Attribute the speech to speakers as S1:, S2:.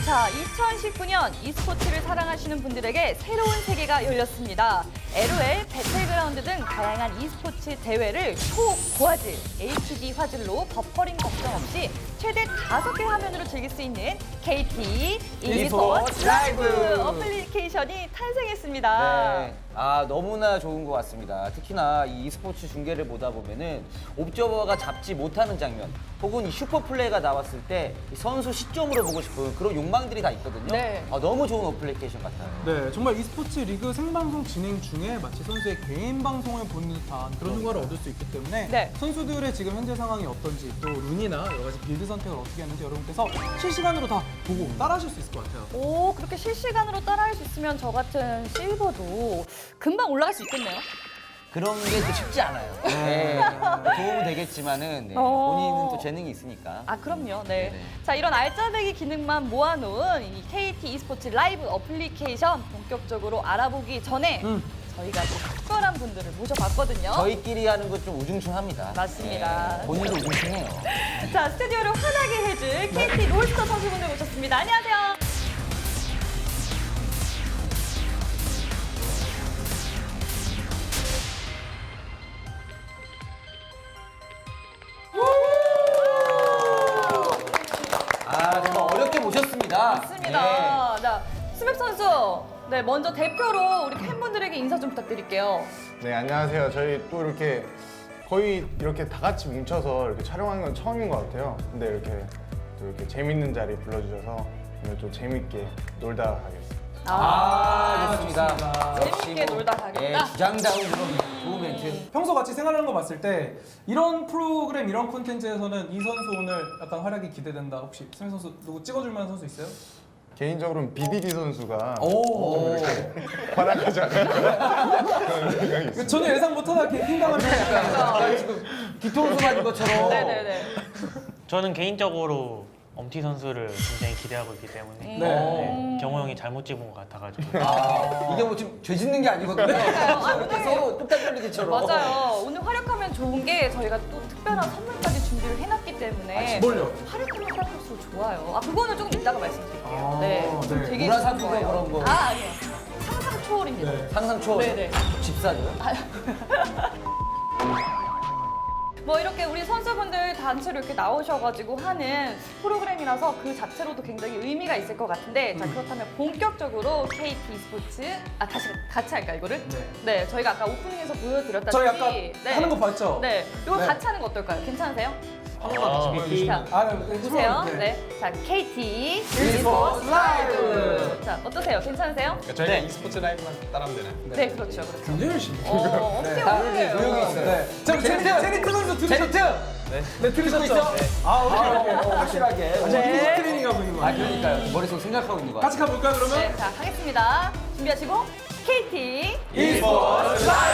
S1: 자, 2019년 e스포츠를 사랑하시는 분들에게 새로운 세계가 열렸습니다. LOL, 배틀그라운드 등 다양한 e스포츠 대회를 초고화질 HD 화질로 버퍼링 걱정 없이 최대 5개 화면으로 즐길 수 있는 KT e스포츠 라이브 어플리케이션이 탄생했습니다.
S2: 네. 너무나 좋은 것 같습니다. 특히나 이 e스포츠 중계를 보다 보면은 옵저버가 잡지 못하는 장면 혹은 이 슈퍼플레이가 나왔을 때 이 선수 시점으로 보고 싶은 그런 욕망들이 다 있거든요.
S1: 네.
S2: 너무 좋은 어플리케이션 같아요.
S3: 네, 정말 e스포츠 리그 생방송 진행 중에 마치 선수의 개인 방송을 보는 듯한 그런 효과를 얻을 수 있기 때문에
S1: 네.
S3: 선수들의 지금 현재 상황이 어떤지 또 룬이나 여러 가지 빌드 선택을 어떻게 하는지 여러분께서 실시간으로 다 보고 따라하실 수 있을 것 같아요.
S1: 오, 그렇게 실시간으로 따라할 수 있으면 저 같은 실버도 금방 올라갈 수 있겠네요.
S2: 그런 게 또 쉽지 않아요. 네. 도움은 되겠지만은 네.
S1: 어.
S2: 본인은 또 재능이 있으니까.
S1: 그럼요. 네.
S2: 네네.
S1: 자, 이런 알짜배기 기능만 모아놓은 이 KT e스포츠 라이브 어플리케이션 본격적으로 알아보기 전에 저희가 또 특별한 분들을 모셔봤거든요.
S2: 저희끼리 하는 것 좀 우중충합니다.
S1: 맞습니다.
S2: 네. 본인도 우중충해요.
S1: 자, 스튜디오를 환하게 해줄 KT 롤스터 선수분들 모셨습니다. 안녕하세요.
S2: 정말 어렵게 모셨습니다.
S1: 맞습니다. 자, 스맵 선수. 네, 먼저 대표로 우리 팬분들에게 인사 좀 부탁드릴게요.
S4: 네, 안녕하세요. 저희 또 이렇게 거의 이렇게 다 같이 뭉쳐서 이렇게 촬영하는 건 처음인 것 같아요. 근데 이렇게 또 이렇게 재밌는 자리 불러주셔서 오늘 좀 재밌게 놀다 가겠습니다.
S2: 좋습니다.
S1: 재밌게 놀다 가겠다.
S2: 예, 주장다운 그런 좋은 멘트.
S3: 평소 같이 생활하는 거 봤을 때 이런 프로그램, 이런 콘텐츠에서는 이 선수 오늘 약간 활약이 기대된다. 혹시 스맨 선수 누구 찍어줄 만한 선수 있어요?
S4: 개인적으로는 BDD 선수가
S2: 오.
S4: 활약하지 않을까 그런 생각이 있습니다.
S3: 전혀 예상 못하다 캠핑당한 편.
S2: 지금 뒤통수 맞은 것처럼.
S1: 네네네.
S5: 저는 개인적으로 엄티 선수를 굉장히 기대하고 있기 때문에
S3: 네.
S5: 네, 경호 형이 잘못 찍은 것 같아가지고
S2: 이게 뭐 지금 죄 짓는 게 아니거든요. 이렇게 서로 뚝딱 걸리기처럼.
S1: 맞아요. 오늘 활약하면 좋은 게 저희가 또 특별한 선물까지 준비를 해놨기 때문에
S3: 뭘요?
S1: 활약하면 활약할수록 좋아요. 그거는 조금 이따가 말씀드릴게요. 네.
S3: 네.
S1: 되게
S2: 문화상품권
S1: 좋아요.
S2: 그런 거.
S1: 아니요. 상상 초월입니다.
S3: 네.
S2: 상상 초월.
S1: 네네.
S2: 집사죠.
S1: 뭐 이렇게 우리 선수분들 단체로 이렇게 나오셔가지고 하는 프로그램이라서 그 자체로도 굉장히 의미가 있을 것 같은데 자 그렇다면 본격적으로 KT e스포츠 다시 같이 할까 이거를? 네. 저희가 아까 오프닝에서 보여드렸다시피
S3: 저희 아까 하는 거 봤죠?
S1: 네. 이거
S3: 네.
S1: 같이 하는 거 어떨까요? 괜찮으세요?
S5: 아,
S1: 자,
S3: 네,
S1: 보세요.
S3: 네.
S1: 네. 자, KT e스포츠 라이브. 자, 어떠세요? 괜찮으세요?
S6: 저희가 e스포츠 라이브만 따라하면 되나요?
S1: 네, 그렇죠. 그렇죠.
S3: 굉장히 열심히.
S1: 엄청 어려워요.
S2: 조용히 있어요.
S3: 네. 자, 제니트 선수 들으셨죠?
S2: 제니트!
S3: 네, 들으셨죠? 오케이.
S2: 확실하게.
S1: 네.
S3: 트레이닝하고 있는 거 아니에요?
S2: 그러니까요. 머릿속 생각하고 있는 거
S3: 같이 가볼까요, 그러면?
S1: 네, 자, 하겠습니다. 준비하시고 KT
S3: e스포츠 라이브!